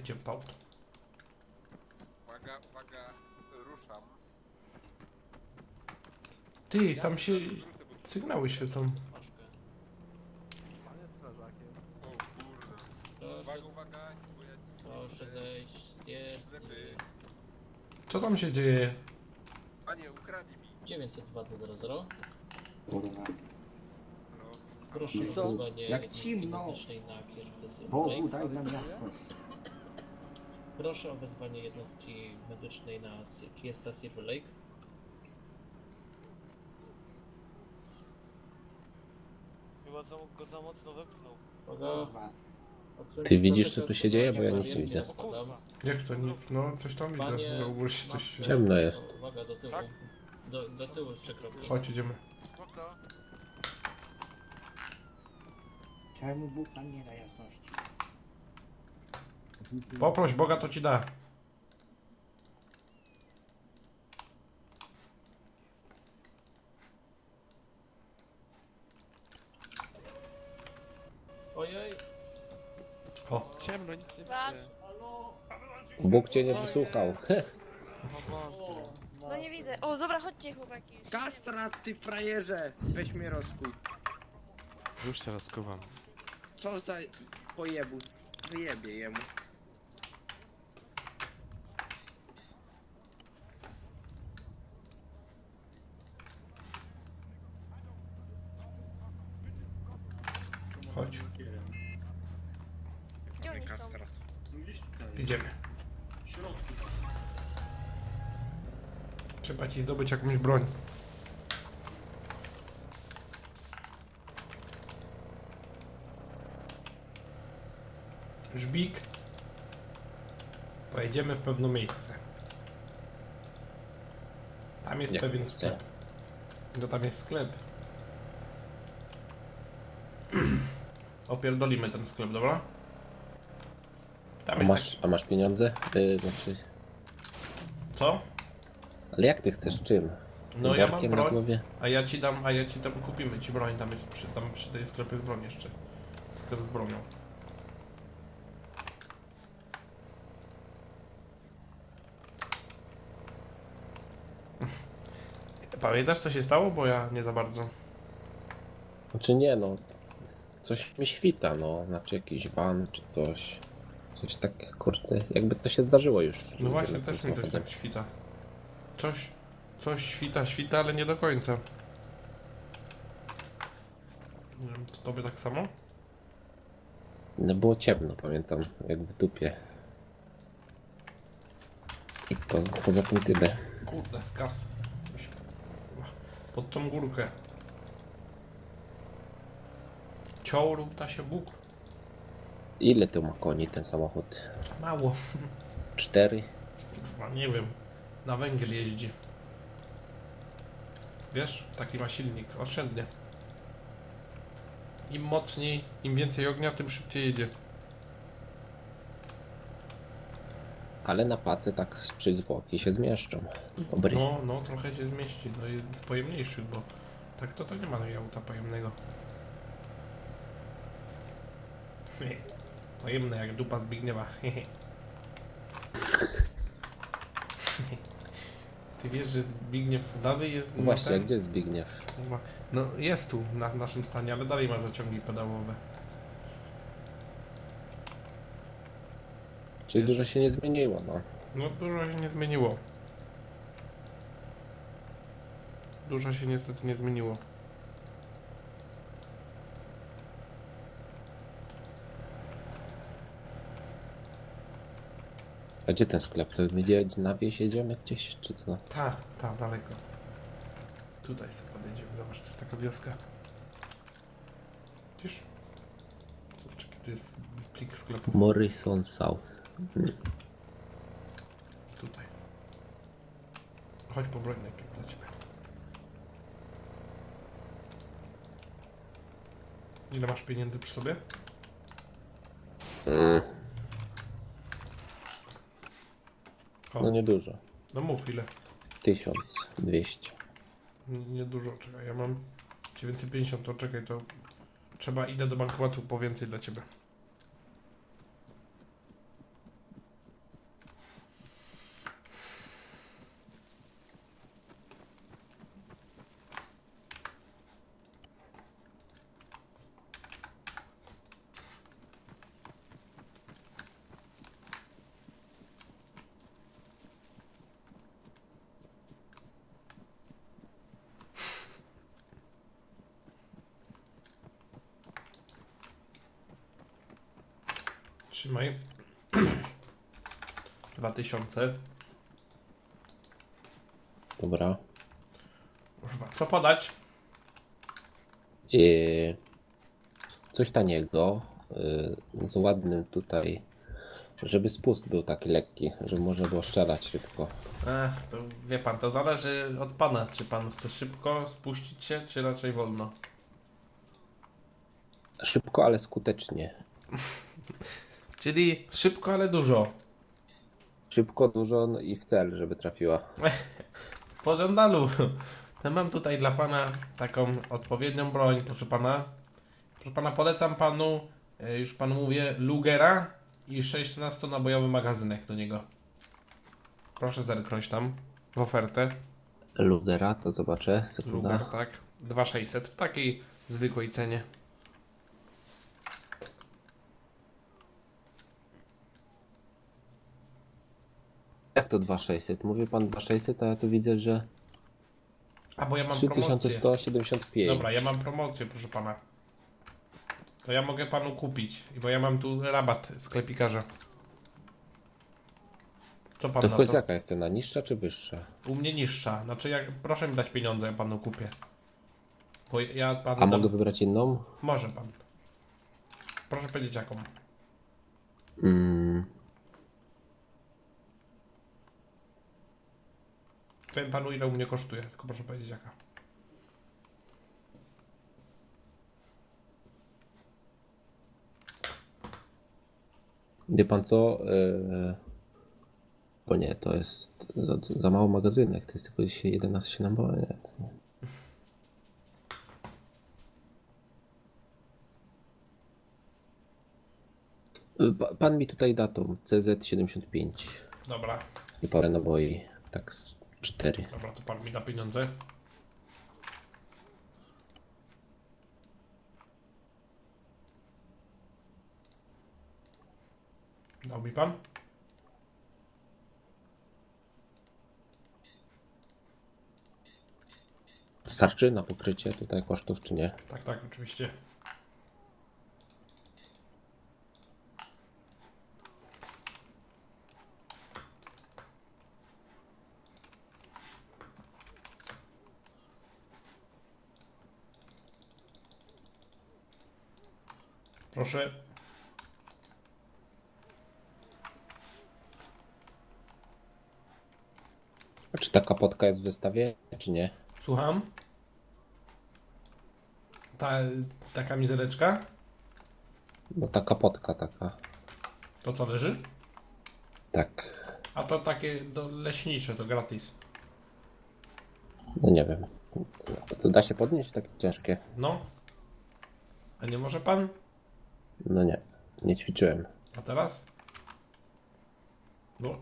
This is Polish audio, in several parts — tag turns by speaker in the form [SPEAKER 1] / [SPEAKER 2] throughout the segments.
[SPEAKER 1] Idziemy po auto.
[SPEAKER 2] Uwaga, uwaga, ruszam.
[SPEAKER 1] Ty, tam się sygnały świecą.
[SPEAKER 3] Paczkę.
[SPEAKER 4] Pan jest strażakiem.
[SPEAKER 2] O kurde.
[SPEAKER 3] Proszę,
[SPEAKER 2] Uwaga, uwaga, bo ja...
[SPEAKER 3] proszę zejść z jezdni.
[SPEAKER 2] Ślepy.
[SPEAKER 1] Co tam się dzieje?
[SPEAKER 2] Panie, ukradli mi.
[SPEAKER 3] 902 do 00.
[SPEAKER 5] Kurwa.
[SPEAKER 2] No.
[SPEAKER 3] Proszę
[SPEAKER 5] Co?
[SPEAKER 3] o wezwanie
[SPEAKER 5] Jak
[SPEAKER 3] jednostki
[SPEAKER 5] cimno.
[SPEAKER 3] medycznej na Kiesty
[SPEAKER 5] Bogu,
[SPEAKER 3] Lake.
[SPEAKER 5] daj nam jasność.
[SPEAKER 3] Proszę o wezwanie jednostki medycznej na Kiesta Silver Lake.
[SPEAKER 4] Chyba go za mocno wepchnął.
[SPEAKER 3] Uwaga.
[SPEAKER 5] Kurwa.
[SPEAKER 3] Odsuńcie
[SPEAKER 6] Ty widzisz,
[SPEAKER 3] proszę
[SPEAKER 6] co tu
[SPEAKER 3] się
[SPEAKER 6] się
[SPEAKER 3] od
[SPEAKER 6] dzieje? Bo ja
[SPEAKER 3] drogi,
[SPEAKER 6] nic nie
[SPEAKER 3] panie,
[SPEAKER 6] widzę.
[SPEAKER 3] spadam.
[SPEAKER 1] Jak to nic? No, coś tam widzę.
[SPEAKER 3] Panie,
[SPEAKER 1] Na górze się coś dzieje.
[SPEAKER 6] Ciemno jest.
[SPEAKER 3] Uwaga, do tyłu.
[SPEAKER 4] Tak?
[SPEAKER 3] Do tyłu jeszcze kroki.
[SPEAKER 1] Chodź, idziemy.
[SPEAKER 4] Spoko.
[SPEAKER 5] Czemu Bóg nam nie da jasności?
[SPEAKER 1] Poproś Boga, to ci da.
[SPEAKER 3] Ojej.
[SPEAKER 1] O,
[SPEAKER 4] Ciemno, nic nie
[SPEAKER 7] Wasz?
[SPEAKER 4] widzę.
[SPEAKER 6] Bóg cię nie wysłuchał.
[SPEAKER 4] O Boże.
[SPEAKER 7] No nie widzę. O, dobra, chodźcie chłopaki już.
[SPEAKER 8] Kastrat, ty frajerze! Weź mnie rozkuj.
[SPEAKER 4] Już się rozkuwam.
[SPEAKER 8] Co za pojebus? Wyjebie jemu.
[SPEAKER 1] chodź.
[SPEAKER 7] Gdzie oni są?
[SPEAKER 8] Kastrat.
[SPEAKER 1] Idziemy. Trzeba ci zdobyć jakąś broń. Żbik. Pojedziemy w pewne miejsce. Tam jest
[SPEAKER 6] Jak
[SPEAKER 1] pewien
[SPEAKER 6] miejsce?
[SPEAKER 1] sklep. No tam jest sklep. Opierdolimy ten sklep, dobra? Tam
[SPEAKER 6] A
[SPEAKER 1] jest
[SPEAKER 6] masz, a masz pieniądze? Znaczy...
[SPEAKER 1] Co?
[SPEAKER 6] Ale jak ty chcesz? Czym?
[SPEAKER 1] No ja mam
[SPEAKER 6] Workiem na
[SPEAKER 1] broń,
[SPEAKER 6] głowie?
[SPEAKER 1] a ja ci dam, kupimy ci broń, tam jest przy tej sklepie jest broń jeszcze. Sklep z bronią. Pamiętasz co się stało? Bo ja nie za bardzo.
[SPEAKER 6] Znaczy nie no. Coś mi świta, no. Znaczy jakiś van czy coś. Coś tak, kurde, jakby to się zdarzyło już.
[SPEAKER 1] No właśnie,
[SPEAKER 6] Tym
[SPEAKER 1] też mi coś
[SPEAKER 6] samochodem.
[SPEAKER 1] tak świta. Coś świta, ale nie do końca. Nie wiem, to tobie tak samo?
[SPEAKER 6] No było ciemno, pamiętam, jak w dupie. I to poza tym tyle.
[SPEAKER 1] Kurde, skas. Pod tą górkę. Ciął równa się Bóg.
[SPEAKER 6] Ile to ma koni ten samochód?
[SPEAKER 1] Mało.
[SPEAKER 6] 4?
[SPEAKER 1] Kurwa, nie wiem. Na węgiel jeździ. Wiesz? Taki ma silnik. Oszczędnie. Im mocniej, im więcej ognia, tym szybciej jedzie.
[SPEAKER 6] Ale na pace tak z 3 zwłoki się zmieszczą. Dobry.
[SPEAKER 1] No, trochę się zmieści. No jeden z pojemniejszych, bo tak to nie ma auta pojemnego. Pojemne jak dupa Zbigniewa. Ty wiesz, że Zbigniew dalej jest...
[SPEAKER 6] No właśnie,
[SPEAKER 1] ten-
[SPEAKER 6] gdzie jest Zbigniew?
[SPEAKER 1] No jest tu, na naszym stanie, ale dalej ma zaciągi pedałowe.
[SPEAKER 6] Czyli
[SPEAKER 1] Wiesz?
[SPEAKER 6] dużo się nie zmieniło, no.
[SPEAKER 1] No dużo się nie zmieniło. Dużo się niestety nie zmieniło.
[SPEAKER 6] A gdzie ten sklep? To gdzie na wieś jedziemy gdzieś, czy co?
[SPEAKER 1] Ta, daleko. Tutaj sobie podjedziemy, zobacz, to jest taka wioska. Widzisz? Czekaj, tu jest plik sklepów.
[SPEAKER 6] Morrison South.
[SPEAKER 1] Tutaj. Chodź po broń najpierw dla ciebie. Ile masz pieniędzy przy sobie? O,
[SPEAKER 6] No niedużo.
[SPEAKER 1] no mów ile.
[SPEAKER 6] 1200.
[SPEAKER 1] Niedużo, czekaj, ja mam 950, to czekaj, to trzeba, idę do bankomatu po więcej dla ciebie. Trzymaj. 2000.
[SPEAKER 6] Dobra.
[SPEAKER 1] Kurwa, co podać?
[SPEAKER 6] Coś taniego, z ładnym tutaj, żeby spust był taki lekki, żeby można było strzelać szybko.
[SPEAKER 1] To wie pan, to zależy od pana, czy pan chce szybko spuścić się, czy raczej wolno.
[SPEAKER 6] Szybko, ale skutecznie.
[SPEAKER 1] Czyli szybko, ale dużo.
[SPEAKER 6] Szybko, dużo no i w cel, żeby trafiła.
[SPEAKER 1] W pożądalu. To mam tutaj dla pana taką odpowiednią broń, proszę pana. Proszę pana, polecam panu, już panu mówię, Lugera i 16-nabojowy magazynek do niego. Proszę zerknąć tam w ofertę.
[SPEAKER 6] Lugera, to zobaczę. Sekunda.
[SPEAKER 1] Luger, tak. 2600 w takiej zwykłej cenie.
[SPEAKER 6] Jak to 2600? Mówi pan 2600, a ja tu widzę, że
[SPEAKER 1] A bo ja mam promocję.
[SPEAKER 6] 3175.
[SPEAKER 1] Dobra, ja mam promocję, proszę pana. To ja mogę panu kupić, bo ja mam tu rabat sklepikarza. Co pan
[SPEAKER 6] To
[SPEAKER 1] na
[SPEAKER 6] w końcu
[SPEAKER 1] to?
[SPEAKER 6] jaka jest cena? Niższa czy wyższa?
[SPEAKER 1] U mnie niższa. Znaczy, proszę mi dać pieniądze, ja panu kupię. Bo ja panu
[SPEAKER 6] A
[SPEAKER 1] dam...
[SPEAKER 6] mogę wybrać inną?
[SPEAKER 1] Może pan. Proszę powiedzieć jaką. Powiem panu, ile u mnie kosztuje, tylko proszę powiedzieć jaka.
[SPEAKER 6] Wie pan co? Bo nie, to jest za mało magazynek. To jest tylko dzisiaj 11 naboi. Pan mi tutaj da tą CZ75
[SPEAKER 1] Dobra,
[SPEAKER 6] i parę naboi. Tak z 4.
[SPEAKER 1] dobra, to pan mi da pieniądze. Dał mi pan?
[SPEAKER 6] Starczy na pokrycie tutaj kosztów, czy nie?
[SPEAKER 1] Tak, tak, oczywiście. Proszę.
[SPEAKER 6] A czy ta kapotka jest w wystawie, czy nie?
[SPEAKER 1] Słucham? Ta kamizeleczka?
[SPEAKER 6] No ta kapotka taka.
[SPEAKER 1] To co leży?
[SPEAKER 6] Tak.
[SPEAKER 1] A to takie leśnicze, to gratis.
[SPEAKER 6] No nie wiem. To da się podnieść takie ciężkie?
[SPEAKER 1] No. A nie może pan?
[SPEAKER 6] No nie. Nie ćwiczyłem.
[SPEAKER 1] A teraz? No.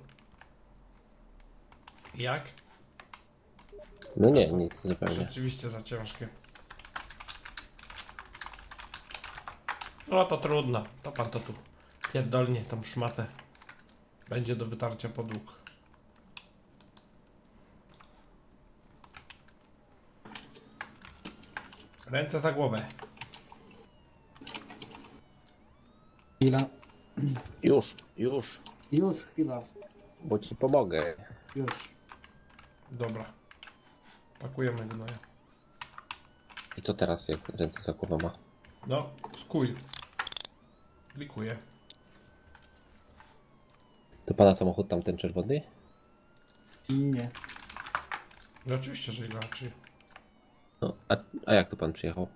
[SPEAKER 1] Jak?
[SPEAKER 6] No nie, nic zupełnie.
[SPEAKER 1] Rzeczywiście za ciężkie. No to trudno. To pan to tu pierdolnie tą szmatę. Będzie do wytarcia podłóg. Ręce za głowę.
[SPEAKER 5] Chwila.
[SPEAKER 6] Już.
[SPEAKER 5] Już, chwila.
[SPEAKER 6] Bo ci pomogę.
[SPEAKER 5] Już.
[SPEAKER 1] Dobra. Pakujemy gnoja.
[SPEAKER 6] I co teraz, jak ręce za głowę ma?
[SPEAKER 1] No, skuj. Klikuję.
[SPEAKER 6] To pana samochód tamten czerwony?
[SPEAKER 5] Nie.
[SPEAKER 1] No oczywiście, że inaczej.
[SPEAKER 6] No, a jak to pan przyjechał?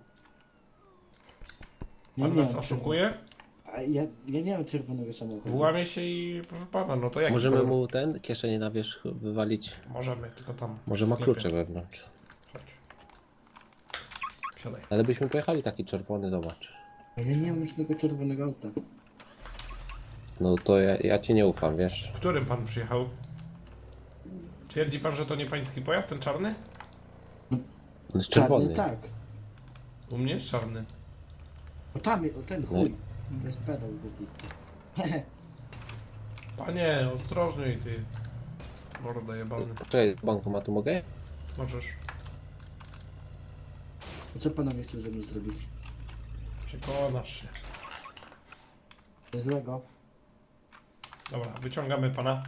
[SPEAKER 5] Nie
[SPEAKER 1] Pan
[SPEAKER 5] wiem,
[SPEAKER 1] nas oszukuje?
[SPEAKER 5] A ja nie mam czerwonego samochodu.
[SPEAKER 1] Włamie się i proszę pana, no to jak?
[SPEAKER 6] Możemy mu ten kieszenie na wierzch wywalić?
[SPEAKER 1] Możemy, tylko tam.
[SPEAKER 6] Może
[SPEAKER 1] w
[SPEAKER 6] ma
[SPEAKER 1] sklepie.
[SPEAKER 6] klucze wewnątrz.
[SPEAKER 1] Chodź. Siadaj.
[SPEAKER 6] Ale byśmy pojechali taki czerwony, zobacz.
[SPEAKER 5] A ja nie mam już tego czerwonego auta.
[SPEAKER 6] No to ja ci nie ufam, wiesz?
[SPEAKER 1] Którym pan przyjechał? Twierdzi pan, że to nie pański pojazd, ten czarny?
[SPEAKER 6] On jest czerwony.
[SPEAKER 5] Czarny, tak.
[SPEAKER 1] U mnie jest czarny.
[SPEAKER 5] O tam, o ten
[SPEAKER 6] No
[SPEAKER 5] chuj. To jest pedał głupi.
[SPEAKER 1] Panie, ostrożniej ty. Mordo jebany.
[SPEAKER 6] Czekaj, z bankomatu mogę?
[SPEAKER 1] Możesz.
[SPEAKER 5] A co panowie chcą ze mną zrobić?
[SPEAKER 1] Przekonasz się.
[SPEAKER 5] Coś złego?
[SPEAKER 1] Dobra, wyciągamy pana.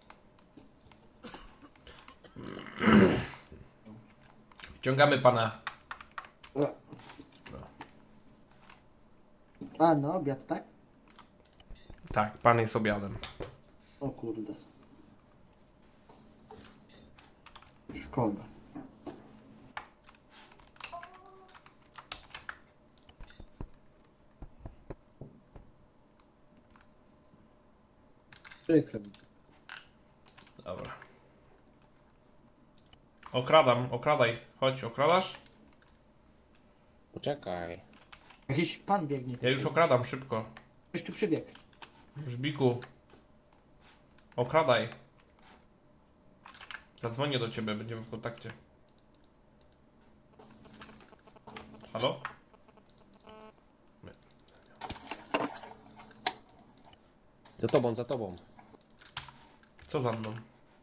[SPEAKER 1] Wyciągamy pana.
[SPEAKER 5] A, no obiad, tak?
[SPEAKER 1] Tak, pan jest obiadem.
[SPEAKER 5] O kurde. Szkoda. Przykro mi.
[SPEAKER 1] Dobra. Okradaj. Chodź, okradasz?
[SPEAKER 6] Poczekaj.
[SPEAKER 5] Jakiś pan biegnie.
[SPEAKER 1] Ja już okradam, szybko.
[SPEAKER 5] Ktoś tu przybiegł.
[SPEAKER 1] Żbiku. Okradaj. Zadzwonię do ciebie, będziemy w kontakcie. Halo?
[SPEAKER 6] Za tobą, za tobą.
[SPEAKER 1] Co za mną?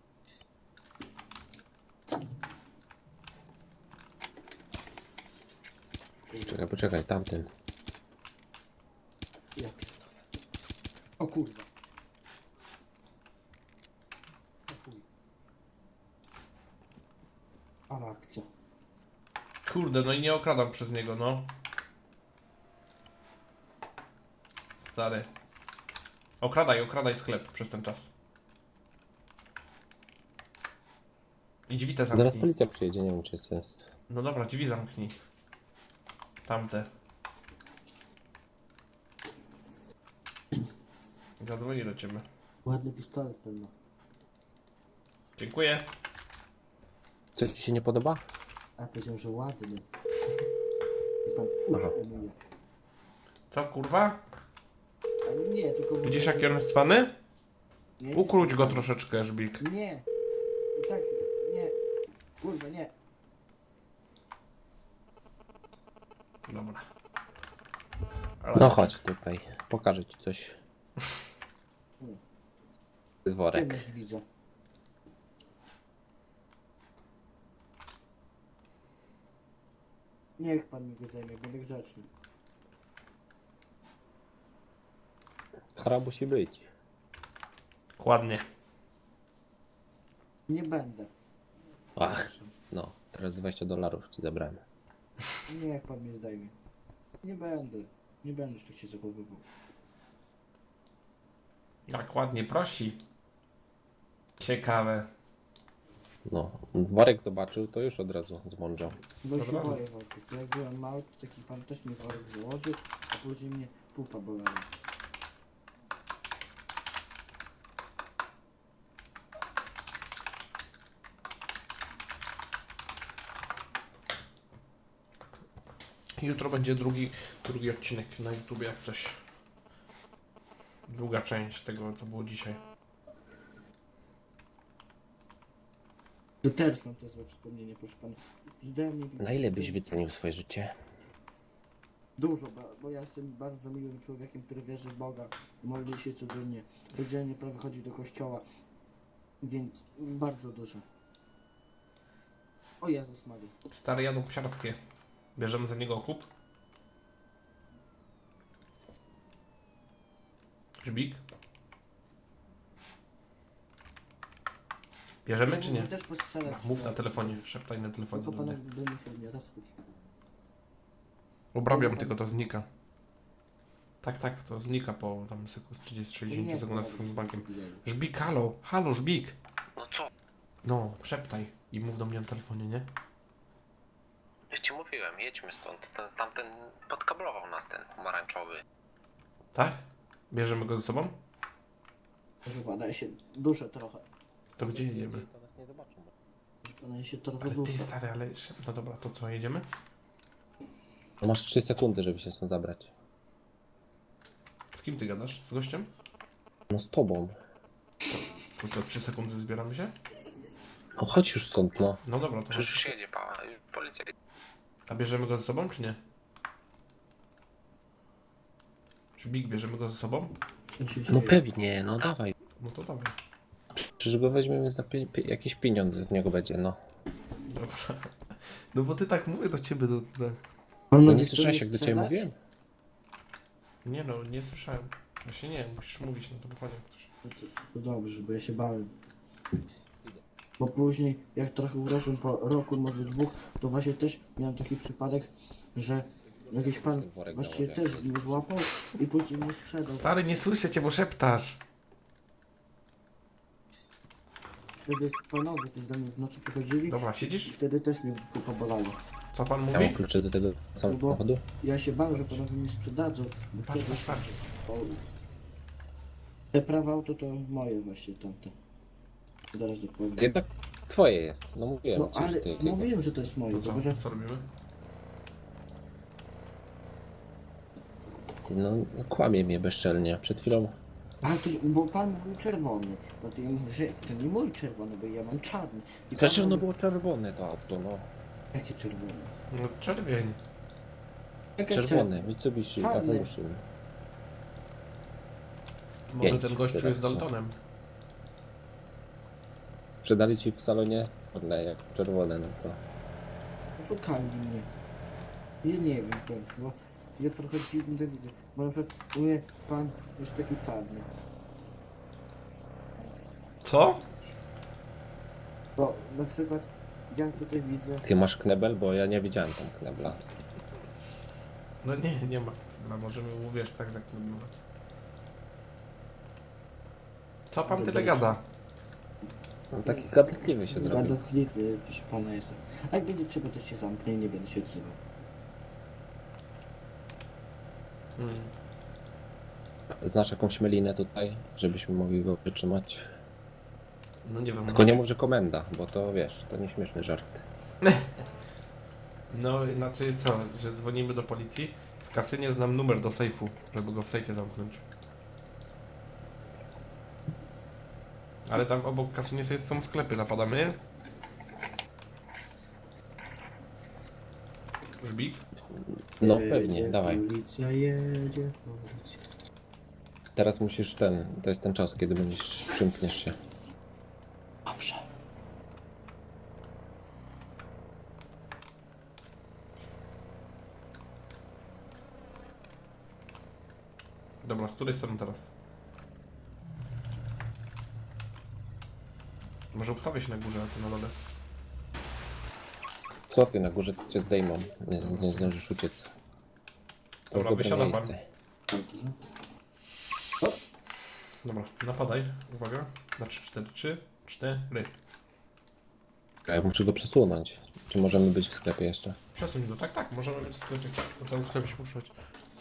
[SPEAKER 6] Poczekaj, tamten.
[SPEAKER 5] Ja pierdolę. O kurwa. O chuj. Ale akcja.
[SPEAKER 1] Kurde, no i nie okradam przez niego, no. Stary. Okradaj sklep przez ten czas. I drzwi te zamknij.
[SPEAKER 6] Zaraz policja przyjedzie, nie wiem czy jest sens.
[SPEAKER 1] No dobra, drzwi zamknij. Tamte. Zadzwonię do ciebie.
[SPEAKER 5] Ładny pistolet pewno.
[SPEAKER 1] Dziękuję.
[SPEAKER 6] Coś ci się nie podoba?
[SPEAKER 5] A powiedział, że ładny. I pan
[SPEAKER 6] Aha.
[SPEAKER 5] umyje.
[SPEAKER 1] Co, kurwa?
[SPEAKER 5] Ale nie, tylko...
[SPEAKER 1] Widzisz jaki on jest cwany?
[SPEAKER 5] Nie,
[SPEAKER 1] Ukróć go troszeczkę, Żbik.
[SPEAKER 5] Nie. I tak, nie. Kurwa, nie.
[SPEAKER 1] Dobra.
[SPEAKER 6] No chodź tutaj, pokażę ci coś. Z
[SPEAKER 5] Tym
[SPEAKER 6] worek.
[SPEAKER 5] już widzę. Niech pan mi go zajmie, będę grzeczny.
[SPEAKER 6] Kara musi być.
[SPEAKER 1] Ładnie.
[SPEAKER 5] Nie będę.
[SPEAKER 6] Ach, no, teraz $20 ci zabrałem.
[SPEAKER 5] Niech pan mnie zdejmie. Nie będę. Nie będę jeszcze się zachowywał.
[SPEAKER 1] Jak ładnie prosi. Ciekawe.
[SPEAKER 6] No, worek zobaczył, to już od razu zmądrzał.
[SPEAKER 5] Bo się
[SPEAKER 1] Dobra.
[SPEAKER 5] boję worków. To jak byłem mały, to taki pan też mi worek założył, a później mnie pupa bolała.
[SPEAKER 1] Jutro będzie drugi odcinek na YouTube, jak coś. Druga część tego, co było dzisiaj.
[SPEAKER 5] To też mam te złe wspomnienie, proszę pana. Zdałem mi...
[SPEAKER 6] Na ile byś wycenił swoje życie?
[SPEAKER 5] Dużo, bo ja jestem bardzo miłym człowiekiem, który wierzy w Boga, modli się codziennie, codziennie prawie chodzi do kościoła, więc bardzo dużo. O Jezus Maria.
[SPEAKER 1] Stare jadło psiarskie. Bierzemy za niego okup. Żbik? Bierzemy czy nie?
[SPEAKER 5] Też postrzelać.
[SPEAKER 1] Mów na telefonie, szeptaj na telefonie
[SPEAKER 5] Tylko
[SPEAKER 1] do
[SPEAKER 5] pana
[SPEAKER 1] mnie.
[SPEAKER 5] będę sobie nie raz
[SPEAKER 1] Obrabiam tylko, to znika. Tak, to znika po tam 30-60 sekundach z bankiem. Żbik, halo, Żbik!
[SPEAKER 6] No co?
[SPEAKER 1] No, szeptaj i mów do mnie na telefonie, nie?
[SPEAKER 6] Ja ci mówiłem, jedźmy stąd. Tamten podkablował nas, ten pomarańczowy.
[SPEAKER 1] Tak? Bierzemy go ze sobą?
[SPEAKER 5] Proszę pana, ja się duszę trochę.
[SPEAKER 1] To gdzie jedziemy?
[SPEAKER 6] To nas nie zobaczą.
[SPEAKER 5] Proszę pana, ja się trochę
[SPEAKER 1] Ale
[SPEAKER 5] duszę.
[SPEAKER 1] ty stary, ale... No dobra, to co, jedziemy?
[SPEAKER 6] No masz 3 sekundy, żeby się stąd zabrać.
[SPEAKER 1] Z kim ty gadasz? Z gościem?
[SPEAKER 6] No z tobą.
[SPEAKER 1] To co, 3 sekundy zbieramy się?
[SPEAKER 6] No chodź już stąd, no.
[SPEAKER 1] No dobra, to
[SPEAKER 6] Przecież
[SPEAKER 1] chodź.
[SPEAKER 6] już jedzie policja.
[SPEAKER 1] A bierzemy go ze sobą, czy nie? Żbik, bierzemy go ze sobą?
[SPEAKER 5] Co się
[SPEAKER 6] No
[SPEAKER 5] dzieje?
[SPEAKER 6] pewnie, no dawaj.
[SPEAKER 1] No to dawaj.
[SPEAKER 6] Przecież go weźmiemy za jakieś pieniądze z niego będzie, no.
[SPEAKER 1] Dobra. No bo ty tak mówię do ciebie,
[SPEAKER 5] On
[SPEAKER 6] No
[SPEAKER 5] będzie
[SPEAKER 6] nie słyszałeś jak do ciebie
[SPEAKER 5] strzelać?
[SPEAKER 6] mówiłem?
[SPEAKER 1] Nie no, nie słyszałem. Właśnie nie, musisz mówić na telefonie jak coś.
[SPEAKER 5] To dobrze, bo ja się bałem. Bo później, jak trochę urosłem po roku, może dwóch, to właśnie też miałem taki przypadek, że jakiś pan
[SPEAKER 6] Worek
[SPEAKER 5] właściwie
[SPEAKER 6] założę.
[SPEAKER 5] też mnie złapał i później mnie sprzedał.
[SPEAKER 1] Stary, nie słyszę cię, bo szeptasz.
[SPEAKER 5] Wtedy panowie też do mnie w nocy przychodzili
[SPEAKER 1] Dobra,
[SPEAKER 5] i
[SPEAKER 1] siedzisz?
[SPEAKER 5] wtedy też mnie pobolało.
[SPEAKER 1] Co pan
[SPEAKER 6] Ja mam
[SPEAKER 1] mówi?
[SPEAKER 6] klucze do tego samochodu?
[SPEAKER 5] Ja się bałem, że panowie mnie sprzedadzą, bo
[SPEAKER 1] Patrz,
[SPEAKER 5] kiedyś
[SPEAKER 1] patrz, patrz.
[SPEAKER 5] te prawa auto to moje właśnie tamte. Zaraz
[SPEAKER 6] To
[SPEAKER 5] dokładnie.
[SPEAKER 6] jednak twoje jest. No mówiłem
[SPEAKER 5] No
[SPEAKER 6] ci,
[SPEAKER 5] ale
[SPEAKER 6] że ty.
[SPEAKER 5] mówiłem, że to jest moje,
[SPEAKER 1] No co?
[SPEAKER 5] tylko że
[SPEAKER 1] Co robimy?
[SPEAKER 6] Ty, no kłamie mnie bezczelnie. Przed chwilą.
[SPEAKER 5] ale to, bo pan był czerwony. No to ja mówię, że to nie mój czerwony, bo ja mam czarny. I
[SPEAKER 6] Przecież
[SPEAKER 5] pan
[SPEAKER 6] ono
[SPEAKER 5] mówi,
[SPEAKER 6] było czerwone to auto, no.
[SPEAKER 5] jakie czerwone?
[SPEAKER 1] No czerwień.
[SPEAKER 5] Jakie
[SPEAKER 6] Czerwone, Mitsubishi,
[SPEAKER 5] Czarny.
[SPEAKER 6] Evolution.
[SPEAKER 1] Może
[SPEAKER 6] Pięć,
[SPEAKER 1] ten gościu
[SPEAKER 6] tyle.
[SPEAKER 1] jest Daltonem.
[SPEAKER 6] Sprzedali ci w salonie czarne, jak czerwone, no to.
[SPEAKER 5] Szukali mnie. Ja nie wiem, bo ja trochę dziwnie to widzę. Bo na przykład mówię, pan jest taki czarny.
[SPEAKER 1] Co?
[SPEAKER 5] Bo na przykład ja tutaj widzę.
[SPEAKER 6] Ty masz knebel, bo ja nie widziałem tam knebla.
[SPEAKER 1] No nie, nie ma. No możemy mu, wiesz, tak zaklemować. Co pan tyle gada?
[SPEAKER 6] No taki gadatliwy się zrobił.
[SPEAKER 5] Gadatliwy, proszę pana jestem. A jak będzie trzeba, to się zamknę i nie będę się odzywał.
[SPEAKER 1] Hmm.
[SPEAKER 6] Znasz jakąś melinę tutaj, żebyśmy mogli go wytrzymać?
[SPEAKER 1] No nie wiem.
[SPEAKER 6] Tylko nie mów, że komenda, bo to wiesz, to nieśmieszny żart.
[SPEAKER 1] No, znaczy co, że dzwonimy do policji? W kasynie znam numer do sejfu, żeby go w sejfie zamknąć. Ale tam obok kasynie są sklepy, napadamy je? Żbik?
[SPEAKER 6] No pewnie, dawaj.
[SPEAKER 5] Policja jedzie, policja.
[SPEAKER 6] Teraz musisz to jest ten czas, kiedy będziesz, przymkniesz się.
[SPEAKER 5] Dobrze.
[SPEAKER 1] Dobra, z której strony teraz? Może ustawię się na górze, a ty na dole.
[SPEAKER 6] Co ty, na górze cię zdejmą, nie zdążysz uciec. To
[SPEAKER 1] Dobra,
[SPEAKER 6] jest dobre
[SPEAKER 1] wysiadam pan.
[SPEAKER 6] miejsce.
[SPEAKER 1] Dobra, napadaj. Uwaga. Na 3, 4, 3, 4.
[SPEAKER 6] A ja muszę go przesunąć. Czy możemy być w sklepie jeszcze?
[SPEAKER 1] Przesuń go. Tak, tak, możemy być w sklepie. Po całym sklepie się poruszać.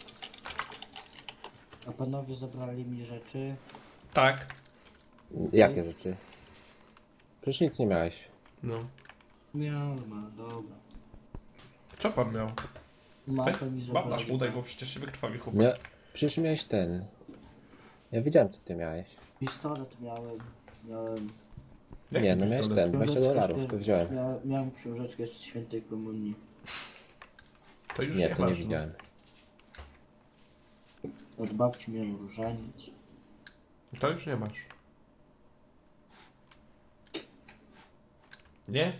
[SPEAKER 5] A panowie zabrali mi rzeczy.
[SPEAKER 1] Tak.
[SPEAKER 6] Jakie rzeczy? Przecież nic nie miałeś.
[SPEAKER 1] No.
[SPEAKER 5] Miałem, dobra.
[SPEAKER 1] Co pan miał?
[SPEAKER 5] Mapę mi zabrali.
[SPEAKER 1] Bandaż udaj, bo przecież się wykrwawi chłopak.
[SPEAKER 6] Przecież miałeś ten. Ja wiedziałem, co ty miałeś.
[SPEAKER 5] Pistolet miałem.
[SPEAKER 1] Jaki
[SPEAKER 6] Nie, no miałeś
[SPEAKER 1] pistolet?
[SPEAKER 6] ten, $20, to wziąłem.
[SPEAKER 5] Miałem książeczkę z świętej komunii.
[SPEAKER 1] To już
[SPEAKER 6] Nie,
[SPEAKER 1] nie
[SPEAKER 6] to nie
[SPEAKER 1] masz.
[SPEAKER 6] widziałem.
[SPEAKER 5] Od babci miałem różaniec.
[SPEAKER 1] No. To już nie masz. Nie?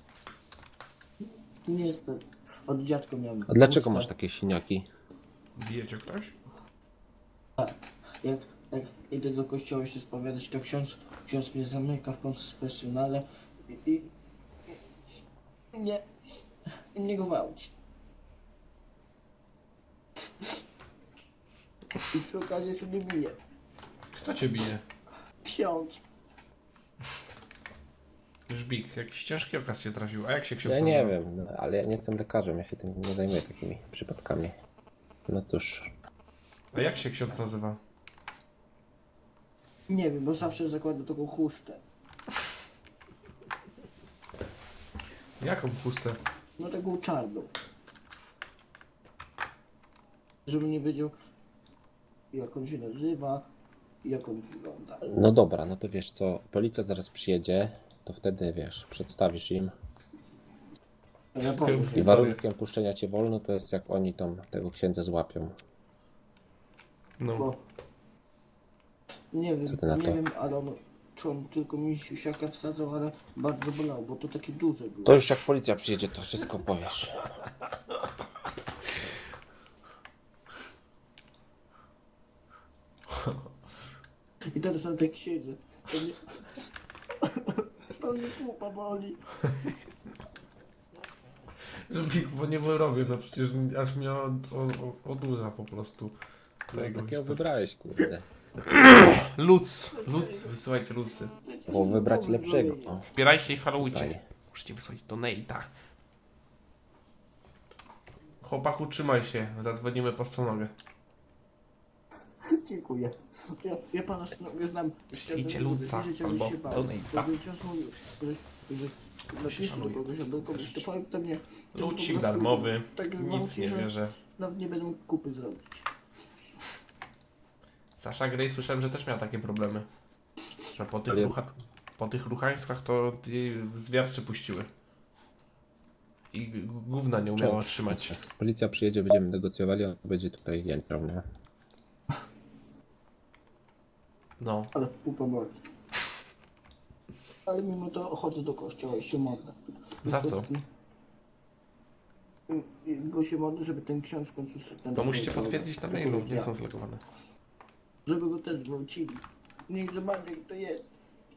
[SPEAKER 5] Niestety. Od dziadka miałem.
[SPEAKER 6] A dlaczego
[SPEAKER 5] chustę.
[SPEAKER 6] masz takie siniaki?
[SPEAKER 1] Bijecie ktoś?
[SPEAKER 5] Jak idę do kościoła się spowiadać, to ksiądz mnie zamyka w konfesjonale i nie gwałci. I przy okazji jeszcze mnie bije.
[SPEAKER 1] Kto cię bije?
[SPEAKER 5] Ksiądz.
[SPEAKER 1] Żbik, jakiś ciężki okaz się trafił. A jak się ksiądz
[SPEAKER 6] Ja nie
[SPEAKER 1] nazywa?
[SPEAKER 6] wiem, no, ale ja nie jestem lekarzem, ja się tym nie zajmuję takimi przypadkami. No cóż,
[SPEAKER 1] A jak się ksiądz nazywa?
[SPEAKER 5] Nie wiem, bo zawsze zakładam taką chustę.
[SPEAKER 1] Jaką chustę?
[SPEAKER 5] No taką czarną. Żeby nie wiedział, jak on się nazywa i jak on wygląda.
[SPEAKER 6] no dobra, no to wiesz co, policja zaraz przyjedzie, to wtedy wiesz, przedstawisz im.
[SPEAKER 5] Ja powiem.
[SPEAKER 6] I warunkiem puszczenia cię wolno to jest jak oni tam tego księdza złapią.
[SPEAKER 1] No.
[SPEAKER 5] Bo nie wiem,
[SPEAKER 6] Co ty na to?
[SPEAKER 5] ale czy on tylko mi siusiaka wsadzał, ale bardzo bolał, bo to takie duże było.
[SPEAKER 6] To już jak policja przyjedzie, to wszystko powiesz.
[SPEAKER 5] I teraz na tak siedzę. To mnie... To mnie pupa boli.
[SPEAKER 1] Żbik, bo nie wyrobię, no przecież aż mnie odurza po prostu. Tego
[SPEAKER 6] Takiego
[SPEAKER 1] jest to-
[SPEAKER 6] wybrałeś, kurde.
[SPEAKER 1] Luc, wysyłajcie lucy.
[SPEAKER 6] Bo wybrać lepszego. O,
[SPEAKER 1] Wspierajcie i followujcie.
[SPEAKER 6] tutaj.
[SPEAKER 1] Możecie wysłać donate'a. Chłopaku, trzymaj się, zadzwonimy po stronogę.
[SPEAKER 5] Dziękuję. Ja pana znam.
[SPEAKER 1] Przyjdzie Luca albo donate'a.
[SPEAKER 5] Napiszę do kogoś albo komuś, to powiem to mnie. to po
[SPEAKER 1] Lucik
[SPEAKER 5] prostu
[SPEAKER 1] darmowy,
[SPEAKER 5] tak
[SPEAKER 1] nic
[SPEAKER 5] gwałci,
[SPEAKER 1] nie
[SPEAKER 5] że
[SPEAKER 1] bierze.
[SPEAKER 5] Nawet nie będę mógł kupy zrobić.
[SPEAKER 1] Sasha Grey słyszałem, że też miała takie problemy. Że po tych,
[SPEAKER 6] Ale-
[SPEAKER 1] po tych ruchańskach to jej zwiarczy puściły. I gówna nie umiała trzymać.
[SPEAKER 6] Jak policja przyjedzie, będziemy negocjowali, on będzie tutaj jęczał, no.
[SPEAKER 1] No,
[SPEAKER 5] Ale pupa boli. Ale mimo to chodzę do kościoła i się modlę.
[SPEAKER 1] Za co?
[SPEAKER 5] Bo się modlę, żeby ten ksiądz w końcu szedł na
[SPEAKER 1] to musicie
[SPEAKER 5] drogę.
[SPEAKER 1] potwierdzić na
[SPEAKER 5] To
[SPEAKER 1] mailu, nie
[SPEAKER 5] powiedziałem.
[SPEAKER 1] są zlegowane.
[SPEAKER 5] Żeby go też gwałcili. Niech zobaczy, jak to jest.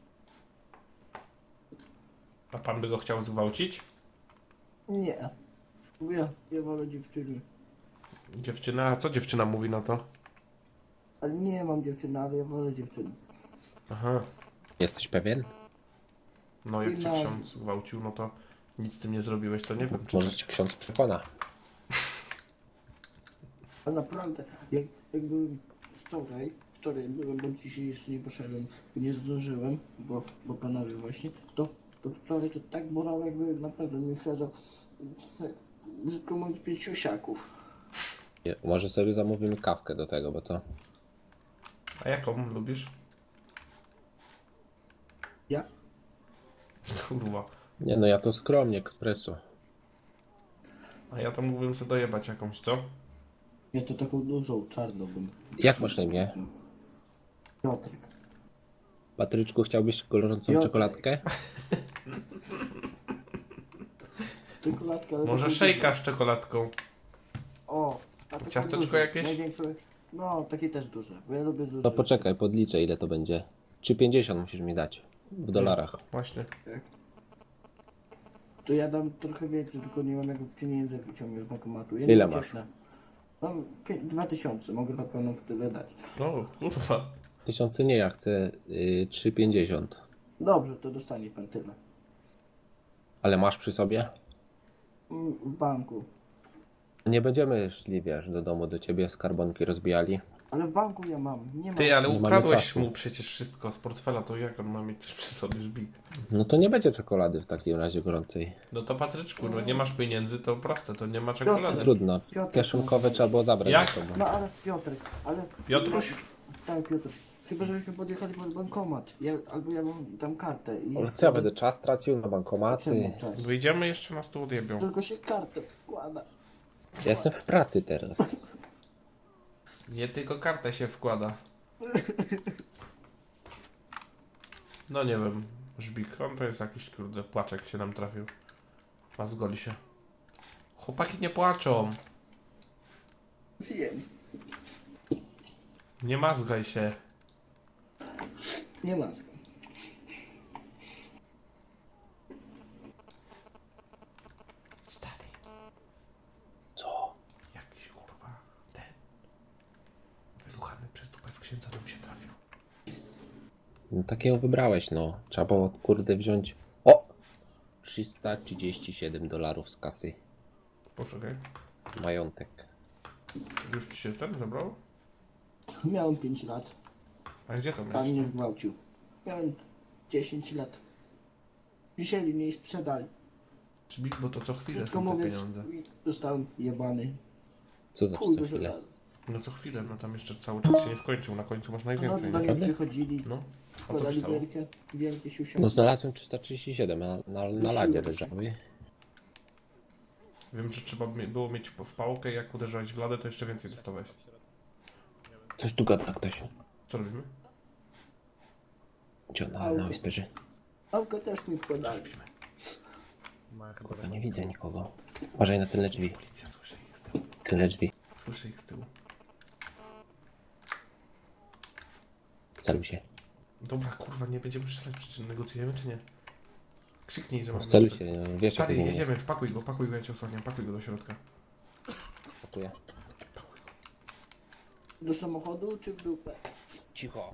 [SPEAKER 1] A pan by go chciał zgwałcić?
[SPEAKER 5] Nie. Bo ja wolę dziewczyny.
[SPEAKER 1] Dziewczyna, a co dziewczyna mówi na to?
[SPEAKER 5] Ale nie mam dziewczyny, ale ja wolę dziewczyny.
[SPEAKER 1] Aha,
[SPEAKER 6] Jesteś pewien?
[SPEAKER 1] no jak cię
[SPEAKER 5] No.
[SPEAKER 1] ksiądz zgwałcił, no to nic z tym nie zrobiłeś, to nie wiem czy...
[SPEAKER 6] Może cię ksiądz przekona.
[SPEAKER 5] Ale naprawdę, jak byłem wczoraj byłem, bo dzisiaj jeszcze nie poszedłem, nie zdążyłem, bo panowie właśnie, to wczoraj to tak bolało, jakby naprawdę mi wsadzał, brzydko mówiąc, 5 siusiaków.
[SPEAKER 6] Nie, może sobie zamówimy kawkę do tego, bo to...
[SPEAKER 1] A jaką lubisz?
[SPEAKER 5] Ja?
[SPEAKER 1] Kurwa.
[SPEAKER 6] Nie no, ja to skromnie, ekspreso.
[SPEAKER 1] A ja tam mógłbym sobie dojebać jakąś, co?
[SPEAKER 5] Ja to taką dużą, czarną bym.
[SPEAKER 6] Jak masz na imię?
[SPEAKER 5] Piotrek.
[SPEAKER 6] Patryczku, chciałbyś gorącą
[SPEAKER 5] Piotrek.
[SPEAKER 6] czekoladkę?
[SPEAKER 5] Czekoladka, ale
[SPEAKER 1] Może
[SPEAKER 5] taką
[SPEAKER 1] szejka z czekoladką.
[SPEAKER 5] dużą. O, a taką
[SPEAKER 1] Ciasteczko
[SPEAKER 5] dużą,
[SPEAKER 1] jakieś?
[SPEAKER 5] Największą, no, takie też duże, bo ja lubię duże.
[SPEAKER 6] To poczekaj, podliczę ile to będzie. 3,50 musisz mi dać. W dolarach.
[SPEAKER 1] Właśnie.
[SPEAKER 5] To ja dam trochę więcej, tylko nie mam jak pieniędzy wyciągnąć z bankomatu. Ja
[SPEAKER 6] Ile
[SPEAKER 5] nie
[SPEAKER 6] masz?
[SPEAKER 5] ucieknę. Mam 2000, mogę na pewno w tyle dać.
[SPEAKER 1] No, kurwa.
[SPEAKER 6] 1000 nie, ja chcę 3,50.
[SPEAKER 5] Dobrze, to dostanie pan tyle.
[SPEAKER 6] Ale masz przy sobie?
[SPEAKER 5] W banku.
[SPEAKER 6] Nie będziemy szli, wiesz, do domu do ciebie, skarbonki rozbijali.
[SPEAKER 5] Ale w banku ja mam, nie mam.
[SPEAKER 1] Ty, ale
[SPEAKER 6] Nie mamy
[SPEAKER 1] ukradłeś
[SPEAKER 6] czasu.
[SPEAKER 1] mu przecież wszystko z portfela, to jak on ma mieć coś przy sobie, żbik?
[SPEAKER 6] No to nie będzie czekolady w takim razie gorącej.
[SPEAKER 1] No to Patryczku, no nie masz pieniędzy, to proste, to nie ma czekolady.
[SPEAKER 6] Trudno.
[SPEAKER 5] Piotrek,
[SPEAKER 6] Kieszonkowe trzeba było zabrać
[SPEAKER 1] Jak?
[SPEAKER 6] ze sobą.
[SPEAKER 5] No ale Piotrek, ale...
[SPEAKER 1] Piotruś?
[SPEAKER 5] Tak, Piotruś. Chyba, żebyśmy podjechali pod bankomat. Albo ja mam tam kartę i...
[SPEAKER 6] Ale co ja będę czas tracił na bankomaty?
[SPEAKER 5] Czemu czas?
[SPEAKER 1] Wyjdziemy jeszcze nas tu odjebią.
[SPEAKER 5] Tylko się kartę wkłada.
[SPEAKER 6] Ja jestem w pracy teraz.
[SPEAKER 1] Nie tylko kartę się wkłada. No nie wiem, żbik, on to jest jakiś kurde płaczek się nam trafił. A zgoli się. Chłopaki nie płaczą.
[SPEAKER 5] Wiem.
[SPEAKER 1] Nie mazgaj się.
[SPEAKER 5] Nie maska.
[SPEAKER 1] Stary.
[SPEAKER 6] Co?
[SPEAKER 1] Jakiś kurwa ten. Wyruchany przez dupę w księdza nam się trafił.
[SPEAKER 6] No takiego wybrałeś, no. Trzeba było, kurde, wziąć... O! $337 z kasy.
[SPEAKER 1] Poczekaj.
[SPEAKER 6] Majątek.
[SPEAKER 1] Już ci się ten zabrał?
[SPEAKER 5] Miałem 5 lat.
[SPEAKER 1] A gdzie to
[SPEAKER 5] Pan
[SPEAKER 1] miałeś?
[SPEAKER 5] mnie zgwałcił. Miałem 10 lat. Wzięli mnie i sprzedali.
[SPEAKER 1] Żbik, bo to co chwilę
[SPEAKER 5] Krótko
[SPEAKER 1] są te
[SPEAKER 5] mówiąc,
[SPEAKER 1] pieniądze.
[SPEAKER 5] zostałem jebany.
[SPEAKER 6] Co za
[SPEAKER 5] Chuj
[SPEAKER 6] co chwilę?
[SPEAKER 5] wyżerany.
[SPEAKER 1] No co chwilę, no tam jeszcze cały czas się nie skończył. Na końcu masz
[SPEAKER 5] No,
[SPEAKER 1] najwięcej.
[SPEAKER 5] do
[SPEAKER 1] No,
[SPEAKER 5] mnie
[SPEAKER 6] Naprawdę?
[SPEAKER 5] przychodzili,
[SPEAKER 1] no. A co
[SPEAKER 5] wkładali
[SPEAKER 1] pisało?
[SPEAKER 5] wielkie siusiaki.
[SPEAKER 6] No znalazłem 337, na ladzie leżały.
[SPEAKER 1] Wiem, że trzeba było mieć w pałkę, jak uderzałeś w ladę, to jeszcze więcej dostałeś.
[SPEAKER 6] Coś tu gada ktoś.
[SPEAKER 1] Co robimy?
[SPEAKER 6] Gdzie na wysperze?
[SPEAKER 5] Pałkę też mi wkładali.
[SPEAKER 6] Kurwa, nie widzę nikogo. Uważaj na tyle drzwi.
[SPEAKER 1] Policja, słyszę ich z tyłu.
[SPEAKER 6] Tyle drzwi.
[SPEAKER 1] Słyszę ich z tyłu.
[SPEAKER 6] Wceluj się.
[SPEAKER 1] Dobra, kurwa, nie będziemy strzelać, przecież negocjujemy, czy nie? Krzyknij, że
[SPEAKER 6] No,
[SPEAKER 1] mamy
[SPEAKER 6] wceluj
[SPEAKER 1] strzelać.
[SPEAKER 6] się, wiesz
[SPEAKER 1] Stary,
[SPEAKER 6] jak to
[SPEAKER 1] jedziemy, wpakuj go, ja cię osłaniam, pakuj go do środka.
[SPEAKER 6] pakuję.
[SPEAKER 5] Do samochodu czy w dupę?
[SPEAKER 6] Cicho.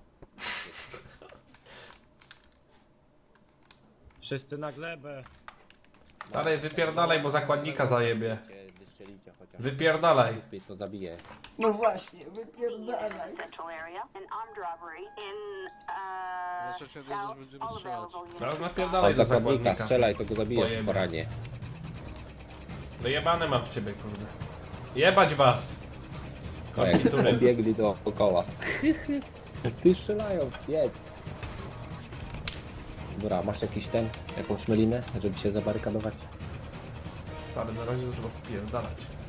[SPEAKER 9] Wszyscy na glebę.
[SPEAKER 1] Stary, wypierdalaj, bo zakładnika zajebie.
[SPEAKER 6] Wystrzelicie chociaż.
[SPEAKER 1] Wypierdalaj.
[SPEAKER 6] Lepiej to zabije.
[SPEAKER 5] No właśnie, wypierdalaj.
[SPEAKER 1] Teraz
[SPEAKER 6] Od
[SPEAKER 1] napierdalaj do
[SPEAKER 6] zakładnika
[SPEAKER 1] zakładnika.
[SPEAKER 6] strzelaj, to go zabijesz
[SPEAKER 1] Pojebie.
[SPEAKER 6] w poranie.
[SPEAKER 1] Dojebane mam w ciebie, kurde. Jebać was!
[SPEAKER 6] No jak
[SPEAKER 1] Konfitury.
[SPEAKER 6] pobiegli dookoła. Ty strzelają, jedź. Dobra, masz jakiś jakąś melinę, żeby się zabarykadować?
[SPEAKER 1] Stary, na razie to trzeba spierdalać.